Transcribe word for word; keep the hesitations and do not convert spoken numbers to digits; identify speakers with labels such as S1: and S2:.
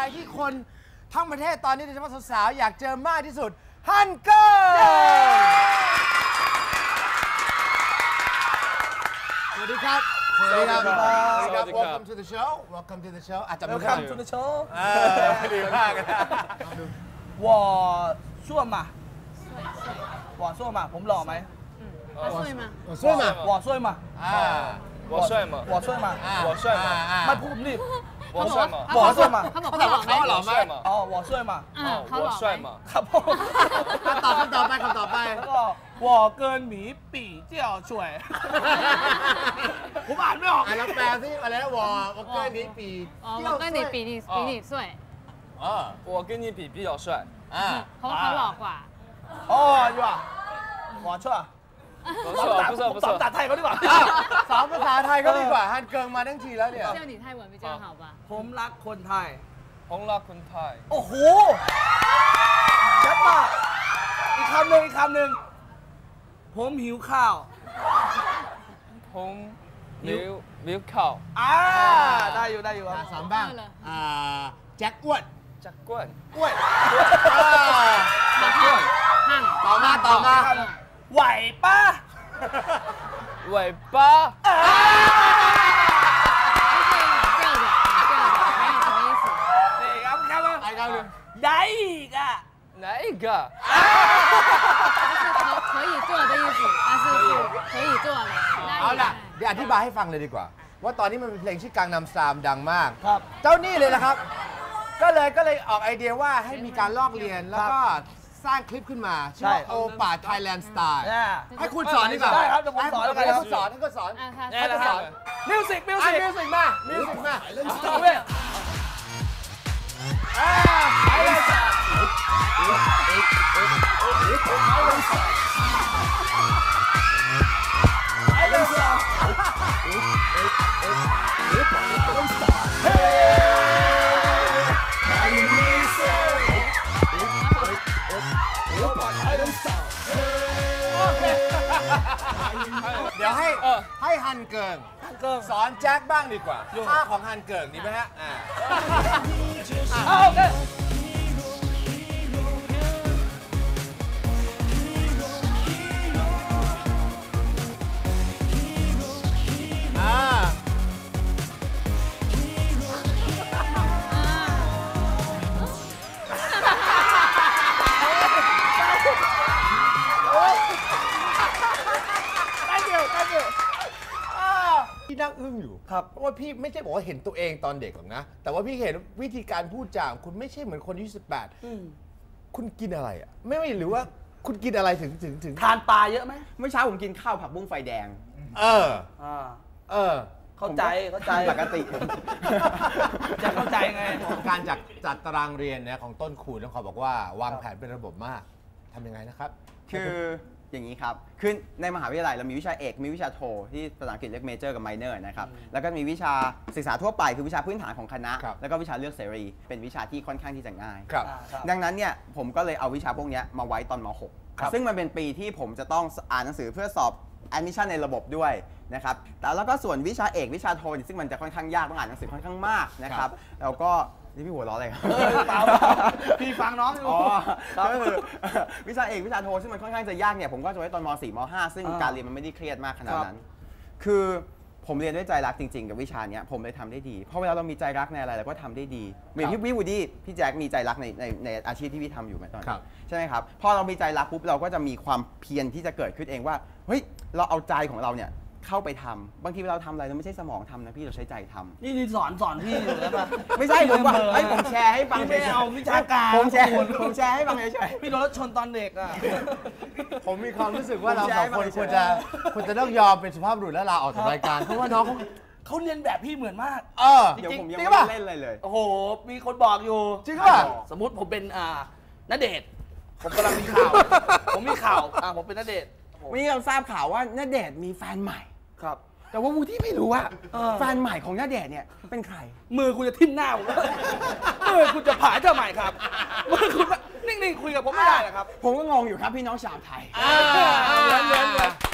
S1: ที่คนทั้งประเทศตอนนี้โดยเฉพาะสาวๆอยากเจอมากที่สุดฮันเกอร์สวัสดีครับสวัสดีครับ Welcome to the show Welcome to the show อาจจะไม่
S2: Welcome to the show
S1: ดีมาก
S2: 我帅嘛我帅嘛ผมหล่อไหม
S3: 我帅吗
S1: 我帅嘛
S2: 我帅嘛
S1: อ่า
S4: 我帅吗
S2: 我帅嘛
S4: 我帅吗
S2: ไม่พูดรีบ
S4: 我帅吗
S2: 我帅嘛
S3: เขาบอก
S1: เขาถามว่าเขาหล่อไหม
S2: อ๋อ我帅嘛
S4: 我帅吗
S2: ครับผม
S1: ตอบคำต่อไปคำต่อไป
S2: ก็我跟你比较帅ผมอ่านไม่ออก
S1: อ่ะเราแปลซิอะไรนะวอวอเกอร์นี้ปี
S3: 哦我跟你比你比你帅
S1: เออ
S4: 我跟你比比较帅
S1: อ่า
S3: เขาบอกเขาหล่อกว่า
S2: อ๋ออยู่อ่ะหมอชั่ว
S4: 不错不错不
S2: สอน
S4: 错
S2: ภาษาไทยเขาดีกว่า
S1: สอนภาษาไทยก็ดีกว่าฮันเกิงมาทั้งทีแล้วเนี่ย
S3: 叫你泰文比较好吧
S2: ผมรักคนไทย
S4: 红拉坤泰
S2: โอ้โหชัดมากอีกคำหนึ่งอีกคำหนึ่งผมหิวข้าว
S4: 红牛牛靠
S2: อ่าได้อยู่ได้อยู่ครับ
S1: สอนบ้างอ่าแจ็คอ้วน
S4: จักรวน
S2: อ้วน
S3: จักรวนห้าง
S1: ต่อมาต่อมา
S2: ไหวป้า
S4: 尾巴
S3: 吊着吊着没有什么意思
S2: นี่ครับครับ
S1: ไอ้คำหนึ่ง
S2: ได้อีกอ่ะ
S4: 哪一个
S3: 可可以做的意思但是是可以做的
S1: เอาล่ะเดี๋ยวอธิบายให้ฟังเลยดีกว่าว่าตอนนี้มันเป็นเพลงชื่อกังนำสตามดังมาก
S2: ครับ
S1: เจ้านี่เลยนะครับก็เลยก็เลยออกไอเดียว่าให้มีการลอกเรียนแล้วก็สร้างคลิปขึ้นมาชื่อว่าโอป่าไทยแลนด์สไตล์ให้คุณสอนดีกว่า
S2: ได้ครับเดี๋ยวผมสอนแล้วกัน
S1: ให้
S2: ครับ
S1: คุณสอนให้คุณสอน
S2: นี่แหละครับมิวสิกมิวสิก
S1: มิวสิกมามิวสิกมา
S2: เว้ย
S1: เดี๋ยวให้ให้ฮันเกิงสอนแจ็คบ้างดีกว่าท่าของฮันเกิงดีไหมฮะอ่า
S2: โอเค
S1: อ่าพี่นั่งอึ้งอยู่ครับเพราะว่าพี่ไม่ใช่บอกว่าเห็นตัวเองตอนเด็กหรอกนะแต่ว่าพี่เห็นวิธีการพูดจาของคุณไม่ใช่เหมือนคนอายุสิบแปดคุณกินอะไรอ่ะไม่ไม่หรือว่าคุณกินอะไรถึงถึงถึง
S2: ทานปลาเยอะไหม
S5: เมื่อเช้าผมกินข้าวผักบุ้งไฟแดง
S1: เออเออ
S2: เข้าใจเข้าใจ
S5: ปกติ
S2: จะเข้าใจไง
S1: การจัดจัดตารางเรียนเนี่ยของต้นคูณต้องขอบอกว่าวางแผนเป็นระบบมากทำยังไงนะครับ
S5: คืออย่างนี้ครับคือในมหาวิทยาลัยเรามีวิชาเอกมีวิชาโทที่ภาษาอังกฤษเรียกเมเจอร์กับไมเนอร์นะครับแล้วก็มีวิชาศึกษาทั่วไปคือวิชาพื้นฐานของคณะแล้วก็วิชาเลือกเสรีเป็นวิชาที่ค่อนข้างที่จะง่ายดังนั้นเนี่ยผมก็เลยเอาวิชาพวกนี้มาไว้ตอนม หก ซึ่งมันเป็นปีที่ผมจะต้องอ่านหนังสือเพื่อสอบadmission ในระบบด้วยนะครับแต่แล้วก็ส่วนวิชาเอกวิชาโทซึ่งมันจะค่อนข้างยากต้องอ่านหนังสือค่อนข้างมากนะครับแล้วก็นี่พี่หัวล้ออะไรครับ
S2: เปล่าพี่ฟังน้องอยู่
S5: ก็คือวิชาเอกวิชาโทซึ่งมันค่อนข้างจะยากเนี่ยผมก็จะไว้ตอนม สี่ ม ห้า ซึ่งการเรียนมันไม่ได้เครียดมากขนาดนั้นคือผมเรียนด้วยใจรักจริงๆกับวิชานี้ผมเลยทำได้ดีเพราะเวลาเรามีใจรักในอะไรเราก็ทำได้ดีเหมือนพี่วิวูดี้พี่แจ็คมีใจรักในในในอาชีพที่พี่ทำอยู่ไหมตอนนี้ใช่ไหมครับพอเรามีใจรักปุ๊บเราก็จะมีความเพียรที่จะเกิดขึ้นเองว่าเฮ้ยเราเอาใจของเราเนี่ยเข้าไปทำบางทีเราทำอะไรเราไม่ใช่สมองทำนะพี่เราใช้ใจทำ
S2: นี่สอนสอนพี่อยู่แล้วป่ะ
S5: ไม่ใช่ผมว่าให้ผมแชร์ให้ฟัง
S2: ไม่เอาวิชาการ
S5: ผมแชร์ผมแชร์ให้ฟังเฉย
S2: ๆพี่โดนรถชนตอนเด็กอ่ะ
S1: ผมมีความรู้สึกว่าเราสองคนควรจะควรจะต้องยอมเป็นสุภาพบุรุษและลาออกจากรายการเพราะว่าน้องเขา
S2: เขาเรียนแบบพี่เหมือนมาก
S1: เออ
S5: เดี๋ยวผมยังไม่เล่นเลยเลย
S2: โอ้โหมีคนบอกอยู่
S1: จริงป่ะ
S2: สมมติผมเป็นอ่าณเดชน์ผมกำลังมีข่าวผมมีข่าวอ่าผมเป็นณเดชน์
S5: วันนี้เราทราบข่าวว่าณเดชน์มีแฟนใหม่
S2: ครับ
S5: แต่ว่าวูที่ไม่รู้ว่าแฟนใหม่ของณเดชน์เนี่ยเป็นใคร
S2: มือคุณจะทิ่มหน้าผมมือคุณจะผ่าเจ้าใหม่ครับมือคุณนิ่งๆคุยกับผมไม่ได้หรอครับ
S5: ผมก็งงอยู่ครับพี่น้องชาวไทย
S2: เหมือนเหมือน